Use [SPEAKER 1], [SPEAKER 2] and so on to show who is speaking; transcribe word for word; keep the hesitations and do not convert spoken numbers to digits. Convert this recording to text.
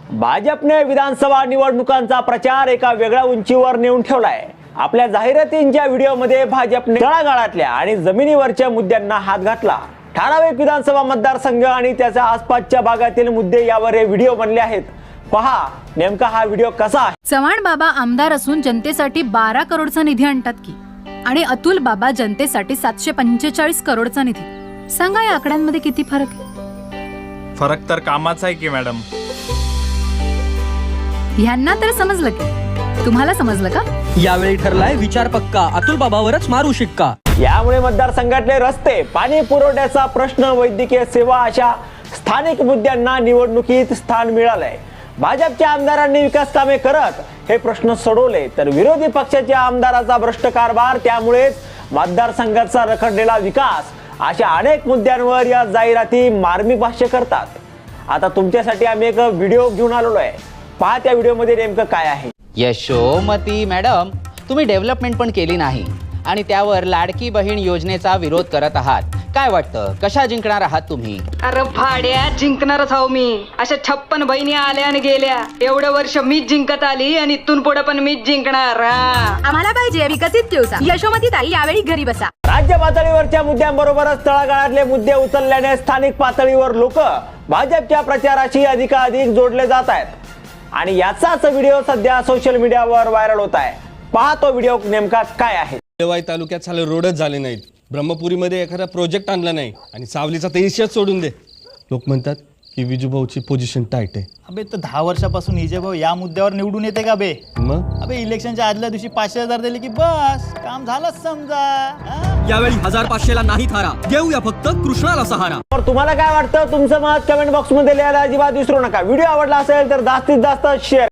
[SPEAKER 1] भाजपने विधानसभा निवडणुकांचा प्रचार एका वेगळ्या उंचीवर नेऊन ठेवलाय। आपल्या जाहिरातींच्या व्हिडिओमध्ये भाजपने तळागाळातल्या आणि जमिनीवरच्या मुद्द्यांना हात घातला। ठराविक विधानसभा मतदारसंघ आणि त्याच्या आसपासच्या भागातील मुद्दे यावर हे व्हिडिओ बनले आहेत। पहा नेमका हा व्हिडिओ कसा आहे।
[SPEAKER 2] चव्हाण बाबा आमदार असून जनतेसाठी बारा करोडचा निधी आणतात की, आणि अतुल बाबा जनतेसाठी सातशे पंचेचाळीस करोडचा निधी। सांगा या आकड्यांमध्ये किती फरक आहे?
[SPEAKER 3] फरक तर कामाचा आहे की मॅडम।
[SPEAKER 2] ह्यांना तर समजलं की, तुम्हाला समजलं का?
[SPEAKER 4] यावेळी ठरलाय विचार पक्का, अतुल बाबावरच मारू शिक्का।
[SPEAKER 1] यामुळे मतदारसंघातले रस्ते, पाणी पुरवठ्याचा प्रश्न, वैद्यकीय सेवा अशा स्थानिक मुद्द्यांना निवडणुकीत स्थान मिळालंय। भाजपच्या आमदारांनी विकास कामे करत हे प्रश्न सोडवले, तर विरोधी पक्षाच्या आमदाराचा भ्रष्ट कारभार, त्यामुळेच मतदारसंघाचा रखडलेला विकास अशा अनेक मुद्द्यांवर या जाहिराती मार्मिक भाष्य करतात। आता तुमच्यासाठी आम्ही एक व्हिडिओ घेऊन आलेलो आहे। पहा त्या व्हिडिओमध्ये नेमकं काय आहे।
[SPEAKER 5] यशोमती मॅडम, तुम्ही डेव्हलपमेंट पण केली नाही आणि त्यावर लाडकी बहीण योजनेचा विरोध करत आहात। काय वाटतं, कशा जिंकणार आहात तुम्ही?
[SPEAKER 6] अरे भाड्या, जिंकणारच आहो मी। अशा छप्पन बहिणी आल्या आणि गेल्या, एवढे वर्ष मीच जिंकत आली आणि इथून पुढे पण मीच जिंकणार।
[SPEAKER 2] आम्हाला पाहिजे विकसित दिवसा। यशोमती ताई यावेळी घरी बसा।
[SPEAKER 1] राज्य पातळीवरच्या मुद्द्यांबरोबरच तळागाळातले मुद्दे उचलल्याने स्थानिक पातळीवर लोक भाजपच्या प्रचाराशी अधिकाधिक जोडले जात आहेत आणि याचाच व्हिडिओ सध्या सोशल मीडियावर व्हायरल होत आहे। पहा तो व्हिडिओ नेमका काय आहे।
[SPEAKER 7] देवाई तालुक्यात साले रोडच झाले नाहीत, ब्रह्मपुरीमध्ये एखादा प्रोजेक्ट आणला नाही आणि सावलीचा तर इश्याच सोडून दे। लोक म्हणतात की विजूभाऊची पोझिशन टाईट आहे।
[SPEAKER 8] अबे तर दहा वर्षापासून विजयभाऊ या मुद्द्यावर निवडून येते का बे?
[SPEAKER 7] मग
[SPEAKER 8] अबे इलेक्शनच्या आदल्या दिवशी पाचशे हजार दिले की बस काम झालंच समजा। हा?
[SPEAKER 4] यावेळी हजार पाचशेला नाही थारा, देऊया फक्त कृष्णाला सहारा।
[SPEAKER 1] तर तुम्हाला काय वाटतं, तुमचं मत कमेंट बॉक्स मध्ये लिहायला अजिबात विसरू नका। व्हिडिओ आवडला असेल तर जास्तीत जास्त शेअर